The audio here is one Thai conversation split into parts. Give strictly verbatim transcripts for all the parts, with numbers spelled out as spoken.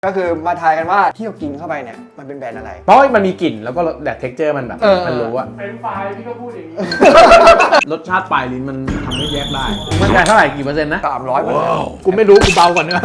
ก็คือมาทายกันว่าที่เรากินเข้าไปเนี่ยมันเป็นแบรนด์อะไรเพราะมันมีกลิ่นแล้วก็แต่เท็กเจอร์มันแบบมันรู้อะเป็นไฟล์พี่ก็พูดอย่างนี้รสชาติปลายลิ้นมันทำให้แยกได้มันได้เท่าไหร่กี่เปอร์เซ็นต์นะสามร้อยเปอร์เซ็นต์กูไม่รู้กูเบาก่อนเนื้อ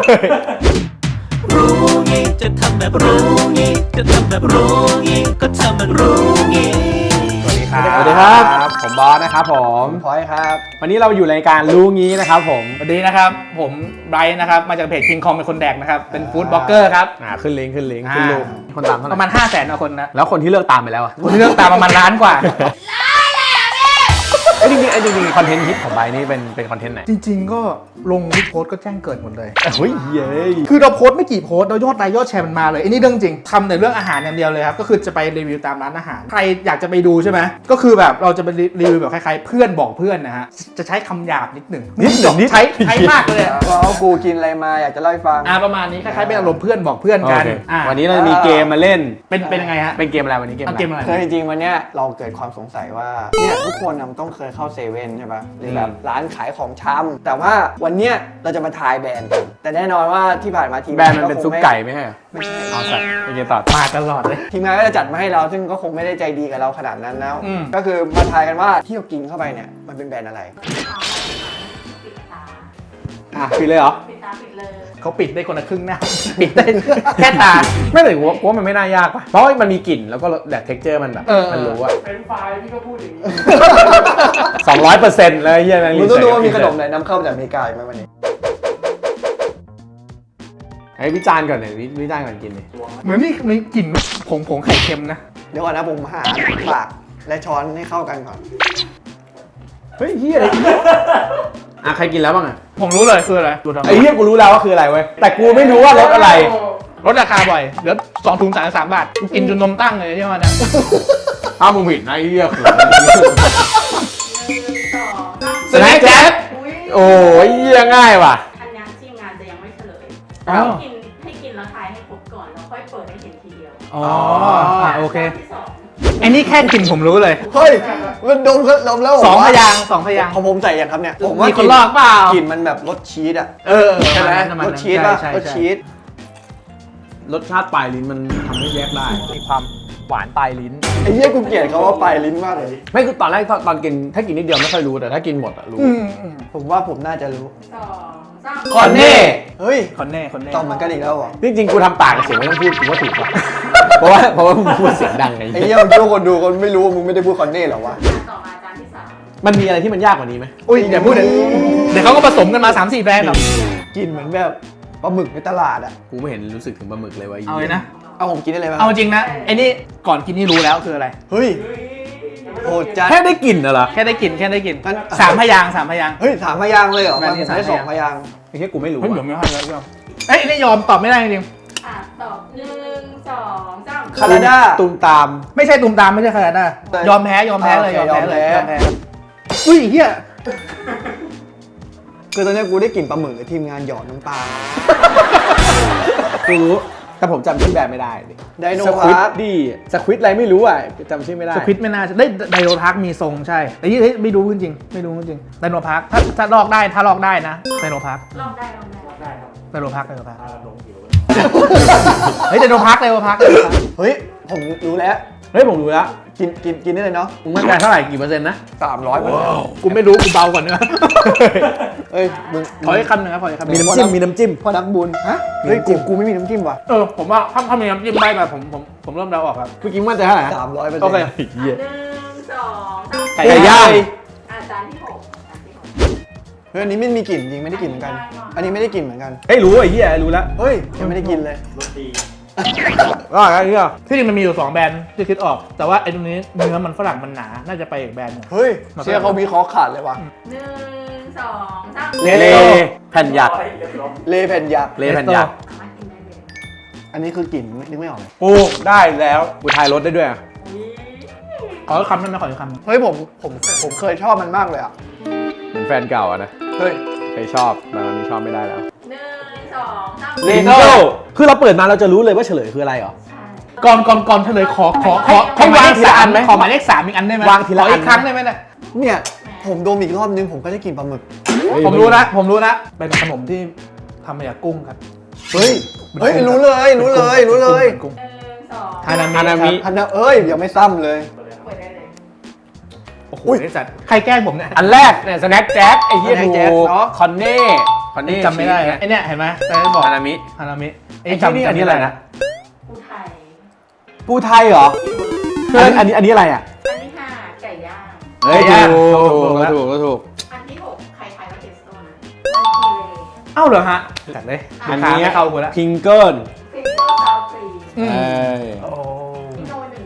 รู้งี้จะทำแบบรู้งี้จะทำแบบรู้งี้ก็ทำแบบรู้งี้สวัสดีครับสวัสดีครับผมบอสนะครับผมพอยครับวันนี้เราอยู่ในการรู้งี้นะครับผมสวัสดีนะครับผมไบรท์นะครับมาจากเพจ King Kong เป็นคนแดกนะครับเป็นฟู้ดบล็อกเกอร์ครับอ่าขึ้นลิงก์ขึ้นลิงก์ขึ้นรูปคนตามเท่าไหร่ประมาณ ห้าแสนกว่าคนนะแล้วคนที่เลิกตามไปแล้วอ่ะคนที่เลิกตามประมาณล้านกว่าไอ้จริงๆไอ้จริงๆคอนเทนต์ฮิตของไบนี่เป็นเป็นคอนเทนต์ไหนจริงๆก็ลงทุกโพสต์ก็แจ้งเกิดหมดเลยเฮ้ยเย้คือเราโพสต์ไม่กี่โพสต์เรายอดไลค์ยอดแชร์มันมาเลยอันนี้เรื่องจริงทำในเรื่องอาหารอย่างเดียวเลยครับก็คือจะไปรีวิวตามร้านอาหารใครอยากจะไปดูใช่ไหมก็คือแบบเราจะไปรีวิวแบบคล้ายๆเพื่อนบอกเพื่อนนะฮะจะใช้คำหยาบนิดหนึ่งนิดหนึ่งนิดใช้ใช้มากเลยว่ากูกินอะไรมาอยากจะเล่าให้ฟังอ่าประมาณนี้คล้ายๆเป็นอารมณ์เพื่อนบอกเพื่อนกันวันนี้เราจะมีเกมมาเล่นเป็นเป็นยังไงฮะเป็นเกมอะไรวันนี้เกมอะไรเกมอะไรคือจริงๆวันเนี้ยเราเกิดความสงสัยว่าเนี่ยทุกคนต้องเคยเข้าเซเว่นใช่ป่ะหรือแบบร้านขายของชำแต่ว่าวันเนี้ยเราจะมาทายแบรนด์กันแต่แน่นอนว่าที่ผ่านมาทีมแบรนด์มันเป็นซุปไก่ไม่ใช่เอาสัตว์โอเคต่อมาตลอดเลยทีมงานก็จะจัดมาให้เราซึ่งก็คงไม่ได้ใจดีกับเราขนาดนั้นแล้วก็คือมาทายกันว่าที่เรากินเข้าไปเนี่ยมันเป็นแบรนด์อะไรอ่ะปิดเลยเหรอปิดตาปิดเลยเขาปิดได้คนละครึ่งหน้าปิดได้แค่ตาไม่เลยว่าว่ามันไม่น่ายากป่ะเพราะมันมีกลิ่นแล้วก็แต่เท็กเจอร์มันแบบมันรู้อะเป็นไฟล์พี่ก็พูดอย่างนี้สองร้อยเปอร์เซ็นต์เลยเฮียนั่นมึงต้องดูว่ามีขนมไหนนำเข้าจากอเมริกาไหมวันนี้ไอ้วิจารณ์ก่อนเลยวิจารณ์ก่อนกินเลยเหมือนมีมีกลิ่นผงผงไข่เค็มนะเดี๋ยวก่อนนะผมหาปากและช้อนให้เข้ากันก่อนเฮ้ยเฮียอะไรอ่ะใครกินแล้วบ้างอ่ะผมรู้เลยคืออะไรไอ้เฮียกูรู้แล้วว่าคืออะไรเว้ยแต่กูไม่รู้ว่ารสอะไรลดราคาบ่อยเหลือสองถุงสามสามบาทกูกินจนนมตั้งเลยใช่ไหมเนี่ยถ้ามึงผิดนะไอ้เฮียคือสแน็คแจ๊บโอ้ยเฮียง่ายว่ะอันนี้ทีมงานจะยังไม่เฉลยให้กินให้กินแล้วทายให้ครบก่อนแล้วค่อยเปิดให้เห็นทีเดียวอ๋อโอเคไอ้นี่แค่กลิ่นผมรู้เลยเฮ้ยมันดมก็ดมแล้วสองพยางสองพยางของผมใส่ยังครับเนี่ยผมว่ามีคนลอกเปล่ากลิ่นมันแบบรสชีสอ่ะเออใช่ไหมรสชีสป่ะรสชีสรสชาติปลายลิ้นมันทำให้แยกได้มีความหวานปลายลิ้นไอ้เหี้ยกูเกลียดเขาว่าปลายลิ้นมากเลยไม่คือตอนแรกตอนกินถ้ากินนิดเดียวไม่ค่อยรู้แต่ถ้ากินหมดอะรู้ผมว่าผมน่าจะรู้สองสามคอนเน่เฮ้ยคอนเน่คอนเน่ต้องเหมือนกันอีกแล้วเหรอจริงๆกูทำปากเสียงไม่ต้องพูดกูว่าถูกป่ะเพราะว่าเพราะว่ามึงพูดเสียงดังไงไอ้เหี้ยมึงคิดว่าคนดูคนไม่รู้มึงไม่ได้พูดคอนเน่หรอวะต่อมาจานที่สามมันมีอะไรที่มันยากกว่านี้ไหมอุ้ยอย่าพูดเดี๋ยวเดี๋ยวเขาก็ผสมกันมา สามสี่ แบรนด์หรอกกินเหมือนแบบปลาหมึกในตลาดอ่ะกูไม่เห็นรู้สึกถึงปลาหมึกเลยว่าเอาเลยนะเอาผมกินได้เลยป่ะเอาจริงนะไอ้นี่ก่อนกินนี่รู้แล้วคืออะไรเฮ้ยโหดจัดแค่ได้กลิ่นเหรอแค่ได้กลิ่นแค่ได้กลิ่นสามพยางสามพยางเฮ้ยสามพยางเลยเหรอมันได้สองพยางไอ้แค่กูไม่รู้เฮ้ยผมไม่ค่อยรู้ยอมเอ้ยนี่ยอมตอบไม่ได้จริงอ่ะตอบหนึ่งสองสามคานาดาตูมตามไม่ใช่ตูมตามไม่ใช่คานาดายอมแพ้ยอมแพ้เลยยอมแพ้เลยยอมแพ้อุ้ยเฮียคือตอนนี้กูได้กลิ่นปลาหมึกทีมงานหยอดน้ำปลากูรู้แต่ผมจำชื่อแบรนด์ไม่ได้ดิไดโนพาร์คดีสควิตอะไรไม่รู้อ่ะจำชื่อไม่ได้สควิตไม่น่าได้ไดโนพาร์คมีทรงใช่แต่ยี่ไม่รู้จริงไม่รู้จริงไดโนพาร์คถ้าถ้าลอกได้ถ้าลอกได้นะไดโนพาร์คลอกได้ลอกได้ลอกได้ครับไดโนพาร์คไดโนพาร์คเฮ้ยไดโนพาร์คไดโนพาร์คเฮ้ยผมรู้แล้วเฮ้ยผมรู้แล้วกินกินกินได้เลยเนาะมึงมั่นใจเท่าไหร่กี่เปอร์เซ็นต์นะสามร้อยเปอร์เซ็นต์กูไม่รู้กูเบาก่อนเนื้อเฮ้ยมึงขออีกคำหนึ่งครับขออีกคำมีน้ำจิ้มมีน้ำจิ้มพอนักบุญฮะเฮ้ยกูกูไม่มีน้ำจิ้มว่ะเออผมว่าถ้าถ้ามีน้ำจิ้มได้มาผมผมผมเริ่มเดาออกครับเมื่อกี้มั่นใจเท่าไหร่สามร้อยเปอร์เซ็นต์โอเคหนึ่งสองสามไก่ย่างอาจารย์ที่หกเฮ้ยอันนี้ไม่มีกลิ่นจริงไม่ได้กลิ่นเหมือนกันอันนี้ไม่ได้กลิ่นเหมือนกันเฮ้ยรู้ไอ้เหี้ยรู้แล้วเฮ้ยยังไม่ได้กินเลยก็อะไรเงี้ยที่จริงมันมีอยู่สองแบรนด์ที่คิดออกแต่ว่าไอ้ตรงนี้เนื้อมันฝรั่งมันหนาน่าจะไปอีกแบรนด์นึงเฮ้ยเชื่อเขามีคอขาดเลยว่ะหนึ่งสองสามเลแผ่นหยักเลแผ่นหยักเลแผ่นหยักอันนี้คือกลิ่นนึกไม่ออกเลยปูได้แล้วกูทายรสได้ด้วยขอคำนั้นนะขอคำเฮ้ยผมผมผมเคยชอบมันมากเลยอ่ะเหมือนแฟนเก่าอะนะเฮ้ยเคยชอบแต่ตอนนี้ชอบไม่ได้แล้วหนึ่งสองสามเลโก้คือเราเปิดมาเราจะรู้เลยว่าเฉลยคืออะไรเหรอก่อนก่อนก่อนเฉลยขอขอขอให้วางทีละอันไหมขอหมายเลขสามอีกอันได้ไหมวางทีละอันอีกครั้งได้ไหมเนี่ยเนี่ยผมดมอีกรอบนึงผมก็ได้กลิ่นปลาหมึกผมรู้นะผมรู้นะเป็นขนมที่ทำมาจากกุ้งครับเฮ้ยเฮ้ยรู้เลยรู้เลยรู้เลยหมือนกุ้งหนึ่งสองฮานามิฮานามิอันนั้นเอ้ยยังไม่ซ้ำเลยเปิดได้เลยโอ้โหไอ้สัตว์ใครแกล้งผมเนี่ยอันแรกเนี่ยสแน็คแจ็คไอ้เหี้ย Snack ถู Jack กเนอะคอนเน่คอนเน่จำไม่ได้นะไอเนี่ยเห็นไหมแต่ไม่บอกฮานามิฮานามิไอ้ที่นี่อันนี้อะไรนะปูไทยปูไทยเหรอเพื่อนอันนี้อันนี้อะไรอ่ะอันที่ห้าไก่ย่างเฮ้ยไก่ย่างถูกถูถูกกแล้วถูกถูกอันที่หกใครทายว่าเทสโต้นะมันคือเลเอ้าเหรอฮะจัดเลยอันขานี้ไม่เข้ากูแล้วพิงเกิลฟิงเกอร์ซาวฟรีอืมเอ้ยโอ้พี่โนหนึ่ง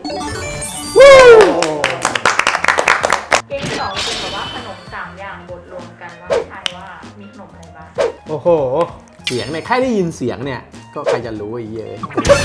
เกมที่สองคือแบบว่าขนมสามอย่างบดรวมกันว่าทายว่ามีขนมอะไรบ้างโอ้โหเสียงเนี่ยแค่ได้ยินเสียงเนี่ยก็ใครจะรู้ไอ้เหี้ย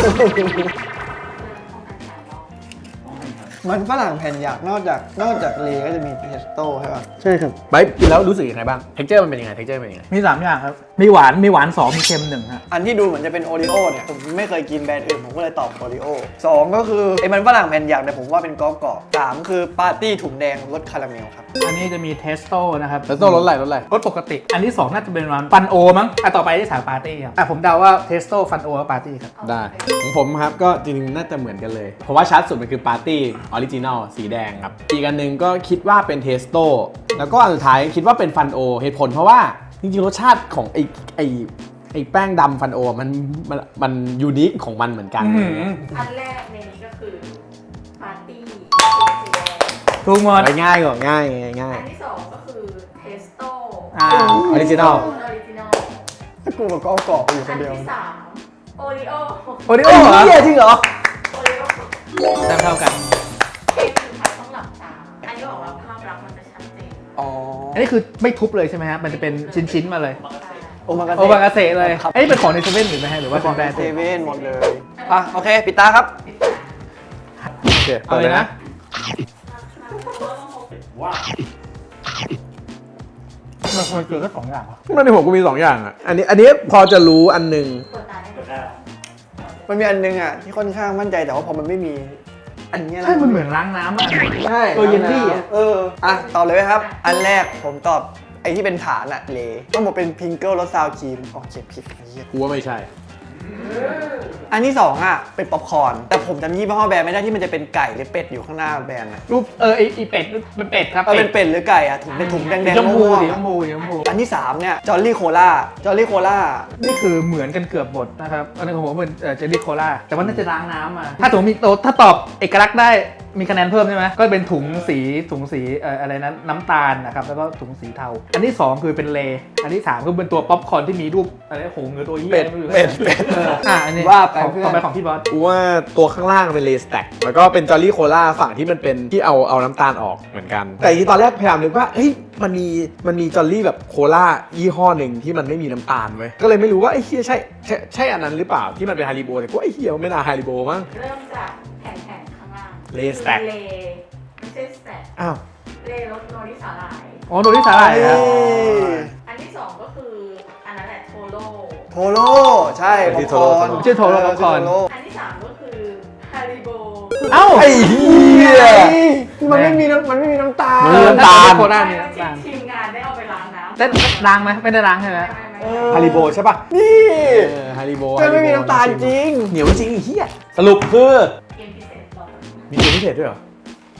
มันฝรั่งแผ่นหยักนอกจากนอกจากเลก็จะมีเพสโต้ใช่ป่ะใช่ครับไปกินแล้วรู้สึกยังไงบ้างเท็กเจอร์มันเป็นยังไงเท็กเจอร์เป็นยังไงมีสามอย่างครับ มีหวาน มีหวานสองมีเค็มหนึ่งฮะอันที่ดูเหมือนจะเป็นโอริโอเนี่ยผมไม่เคยกินแบรนด์อื่นผมก็เลยตอบโอริโอสองก็คือไอ้มันฝรั่งแผ่นหยักเนี่ยผมว่าเป็นกรอบกรอบสามคือปาร์ตี้ถุงแดงรสคาราเมลครับอันนี้จะมีเทสโต้นะครับแล้วต้องรสอะไรรสอะไรรสปกติ อันที่สองน่าจะเป็นวันฟันโอมั้งอ่ะต่อไปที่สามปาร์ตี้ครับอ่ะผมเดาว่าเทสโต้ฟันโอกับปาร์ตี้ครับได้ของผมครับก็จริงๆน่าจะเหมือนกันเลย เพราะว่าชัดสุดมันคือปาร์ตี้ออริจินอลสีแดงครับ อีกอันหนึ่งก็คิดว่าเป็นเทสโต้แล้วก็อันสุดท้ายคิดว่าเป็นฟันโอเหตุผลเพราะว่าจริงๆรสชาติของไอไอไอแป้งดำฟันโอมันมันมันยูนิคของมันเหมือนกันอื้อหืออันแรกในนี้ก็คือปาร์ตี้สีแดงถูกหมดไปง่ายกว่าง่ายง่ายง่ายอันที่สองก็คือเทสโต้อ่าออริจินอลออริจินอลถ้ากูกับกรอบกรอบอยู่คอันนเดียวที่สามโอริโอโอริโอเหรอเหี้ยจริงเหรอโอริโอแต้มเท่ากันเกมสุดท้ายต้องหลับตาอันนี้บอกว่าภาพลักษณ์มันจะชัดเจนอ๋ออันนี้คือไม่ทุบเลยใช่ไหมฮะ มันจะเป็นชิ้นๆมาเลยโอมากาโอบากาเซเลยครับอันนี้เป็นของในเซเว่นหรือไม่ฮะหรือว่าขเป็องนแบรนด์เซเว่นหมดเลยอ่ะโอเคปิดตาครับโอเคเอาเลยนะ มันมันเกินแค่สองอย่างเหรอมันในผมก็มีสองอย่างอ่ะอันนี้อันนี้พอจะรู้อันหนึ่งเปิดตาได้ไหมมันมีอันนึงอ่ะที่ค่อนข้างมั่นใจแต่ว่าพอมันไม่มี อันเนี้ยนะใช่ มันเหมือนล้างน้ำอ่ะใช่ตัวเยลลี่อะเอออ่ะตอบเลยไหมครับ อันแรกผมตอบไอ้ที่เป็นฐานอะเลต้องบอกเป็นพิงเกิลรสซาวครีมออกเขียนผิดไอ้เหี้ยกูว่าไม่ใช่อันที่สองอ่ะเป็นป๊อปคอร์นแต่ผมจำยี่ห้อแบรนด์ไม่ได้ที่มันจะเป็นไก่หรือเป็ดอยู่ข้างหน้าแบรนด์นะรูปเออไอไอเป็ดเป็นเป็ดครับเออเป็นเป็ดหรือไก่อ่ะถุงเป็นถุงแดงสีๆชมพูม่วงสีๆชอะมพูสีชมพูอันที่สามเนี่ยจอร์ลี่โคล่าจอร์ลี่โคล่านี่คือเหมือนกันเกือบหมดนะครับ อันนี้ของผมเป็นเจลลี่โคลาแต่ว่าน่าจะล้างน้ำมา ถ้าสมมติมีโตถ้าตอบเอกลักษณ์ได้มีคะแนนเพิ่มใช่ไหมก็เป็นถุงสีถุงสีเอ่ออะไรนั้นน้ำตาลนะครับแล้วก็ถุงสีเทา อันที่สองคือเป็นเลอันที่สามคือเป็นตัวป๊อปคอร์นที่มีรูปอะไรโหงหรือตัวเหี้ยเป็ดไม่รู้เป็ดเป็ดเอออ่ะอันนี้ว่าไปของเพื่อนต่อไปของพี่บอสกูว่าตัวข้างล่างเป็นเลสแต็กแล้วก็เป็นจอร์ลี่โคลาฝั่งที่มันเป็นที่เอาเอาน้ำตาลออกเหมือนกัน แต่ที่ตอนแรกพยายามนึกว่าเฮ้ยมันมีมันมีจอร์ลี่แบบโคลายี่ห้อหนึ่งที่มันไม่มีน้ำตาลเว้ยก็เลยไม่รู้ว่าไอ้เฮียใช่ใช่ใช่อันนั้นหรือเปล่าที่มันเป็นฮาริโบแต่กูไอ้เฮียมันไม่น่าฮาริโบมั้งเริ่มจากแผ่นๆข้างล่างเลสแต็กเลไม่ใช่สแต็กอ้าวเลรสโนริสาหร่ายอ๋อโดนที่สาหร่ายครับอันที่สองก็คืออันนั้นแหละโทโร่โทโร่ใช่ป๊อปคอร์นชื่อโทโร่ป๊อปคอร์นโอันที่สามก็คือฮาริโบเอ้าไอ้เฮียมันไม่มีน้ำมันไม่มีน้ำตาลมันไม่มีน้ำตาลโคลาไม่มีว่าน้ำตาลทีมงานได้เอาไปล้างน้ำได้ล้างไหมไม่ได้ล้างใช่ไหมไม่ไม่ฮาริโบใช่ป่ะนี่เออฮาริโบมันไม่มีน้ำตาลจริงเหนียวจริงไอ้เฮียสรุปคือเกมพิเศษต่อมีเกมพิเศษด้วยเหรอ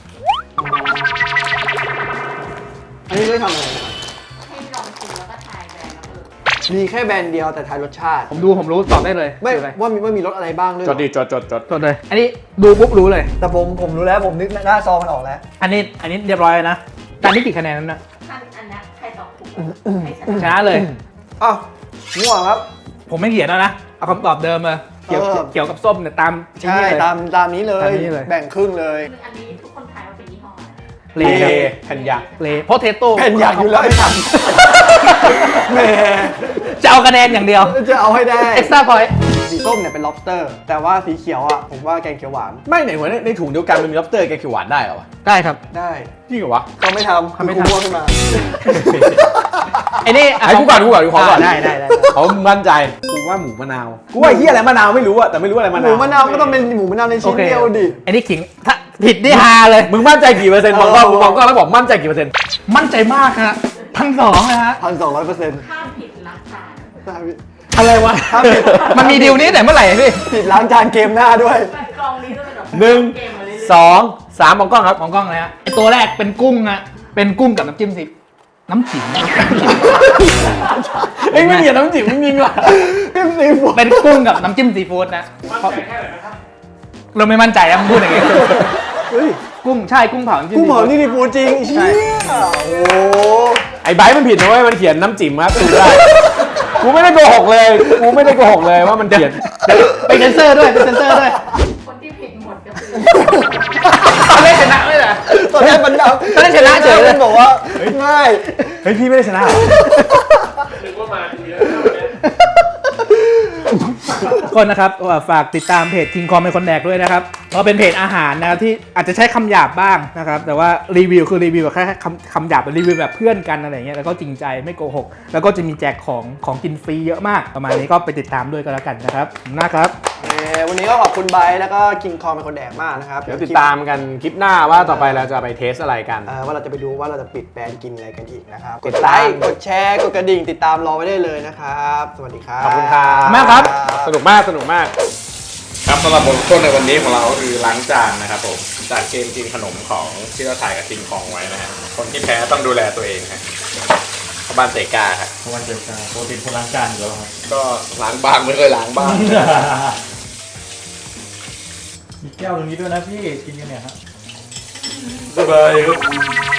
อันนี้ได้ทำอะไรนะครับให้ลองชิมแล้วก็ทายแบรนด์แล้วเออมีแค่แบรนด์เดียวแต่ทายรสชาติผมดูผมรู้ตอบได้เลยไม่คืออะไรว่ามีว่ามีรสอะไรบ้างด้วยจดดิจดจดจดตอบเลย อันนี้ดูปุ๊บรู้เลยแต่ผมผมรู้แล้วผมนึกหน้าซองมันออกแล้วอันนี้อันนี้เรียบร้อยแล้วนะจานนี้กี่คะแนนนั้นนะอันอันนี้ใครตอบถูกให้ชชนะนะเลยอ้าวมั่วครับผมไม่เขียนแล้วนะ เอาคำตอบเดิมเลยเกี่ยวเออเกี่ยวกับส้มเนี่ยตามใช่นี่เลยตามตามนี้เลยตามนี้เลยแบ่งครึ่งเลยคืออันนี้ทุกคนทายว่าเป็นยี่ห้ออะไรเลเลครับแผ่นยักษ์เลโพเทโต้แผ่นอยากอยู่แล้วไอ้สัตว์แหมจะเอาคะแนนอย่างเดียวจะเอาให้ได้เอ็กซ์ตร้าพอยต์สีส้มเนี่ยเป็น lobster แต่ว่าสีเขียวอ่ะผมว่าแกงเขียวหวานไม่ไหนวะในในถุงเดียวกันมันมีล็อบสเตอร์แกงเขียวหวานได้เหรอวะได้ครับได้จริงเหรอวะก็ไม่ทำทำไม่คือทำกูมั่วขึ้นมาไอ้นี่ะไอ้กูก่อนกูก่อนกูขอก่อนได้ได้ได้เขามั่นใจกูว่าหมูมะนาวกูว่าไอ้เฮียอะไรมะนาวไม่รู้อะแต่ไม่รู้อะไรมะหนาวมูมะนาวก็ต้องเป็นหมูมะนาวในโอชิ้นเคเดียวดิไอ้นี่ขิงถ้าผิดนี่ฮาเลยมึงมั่นใจกี่เปอร์เซ็นต์มองกล้องมองกล้องแล้วบอกมั่นใจกี่เปอร์เซ็นต์มั่นใจมากฮะพันสองนะฮะพันสองร้อยเปอร์เซ็นต์ถ้าผิดรักษาใช่พี่อะไรวะถ้าผิดมันมีดีลนี้แต่เมื่อไหร่พี่ผิดล้างจานเกมหน้าด้วยแบบกล่องนี้จะเป็นแบบหนึ่งเกมมาเรื่อยๆสองสามมองกล้องครับมองกล้องเลยฮะไอตัวแรกเป็นกุ้งฮะเป็นกุ้งกับน้ำจิ้มซีน้ำจิ้มเอ้ยไม่เขียนน้ำจิ้มจริงๆว่ะเป็นกุ้งกับน้ำจิ้มซีฟู้ดนะเราไม่มั่นใจนะมึงพูดอย่างงี้เฮ้ยกุ้งใช่กุ้งเผาน้ำจิ้มกูซีเหมาฟู้ดนี่ดีฟูจริงเชี่ยโอ้ไอ้ไบร์ทมันผิดนะเว้ยมันเขียนน้ำจิ้มครับดูได้กูไม่ได้โกหกเลยกูไม่ได้โกหกเลยว่ามันเขียนไปเซนเซอร์ด้วยไปเซนเซอร์ด้วยคนที่ผิดหมดก็คือตอนเล่นชนะไม่เหรอตอนแรกมันดับตอนแรกชนะเฉยเลยมันบอกว่าง่ายเฮ้ยพี่ไม่ได้ชนะเหรอคนนะครับฝากติดตามเพจ King Kong เป็นคนแดกด้วยนะครับเพราะเป็นเพจอาหารนะครับที่อาจจะใช้คำหยาบบ้างนะครับแต่ว่ารีวิวคือรีวิวแบบแค่คำคำหยาบเป็นรีวิวแบบเพื่อนกันอะไรเงี้ยแล้วก็จริงใจไม่โกหกแล้วก็จะมีแจกของของกินฟรีเยอะมากประมาณนี้ก็ไปติดตามด้วยก็แล้วกันนะครับขอบคุณมากครับเอ่อวันนี้ก็ขอบคุณไบร์ทแล้วก็คิงคองเป็นคนแดกมากนะครับเดี๋ยวติดตามกันคลิปหน้าว่าต่อไปเราจะไปเทสอะไรกันเอ่อว่าเราจะไปดูว่าเราจะปิดแบรนด์กินอะไรกันอีกนะครับกดไลค์กดแชร์กดกระดิ่งติดตามรอไว้ได้เลยนะครับสวัสดีครับขอบคุณครับมากครับสนุกมากสนุกมากครับสำหรับบทลงโทษในวันนี้ของเราก็คือล้างจานนะครับผมจากเกมกินขนมของที่เราถ่ายกับคิงคองไว้นะฮะคนที่แพ้ต้องดูแลตัวเองฮะเข้าบ้านเตกาครับเพราะวันเดียวกันโปรตีนคนล้างจานอยู่แล้วครับก็ล้างบ้างไม่เคยล้างบ้างมีแก้วตรงนี้ด้วยนะพี่กินกันเนี่ยครับสบายครับ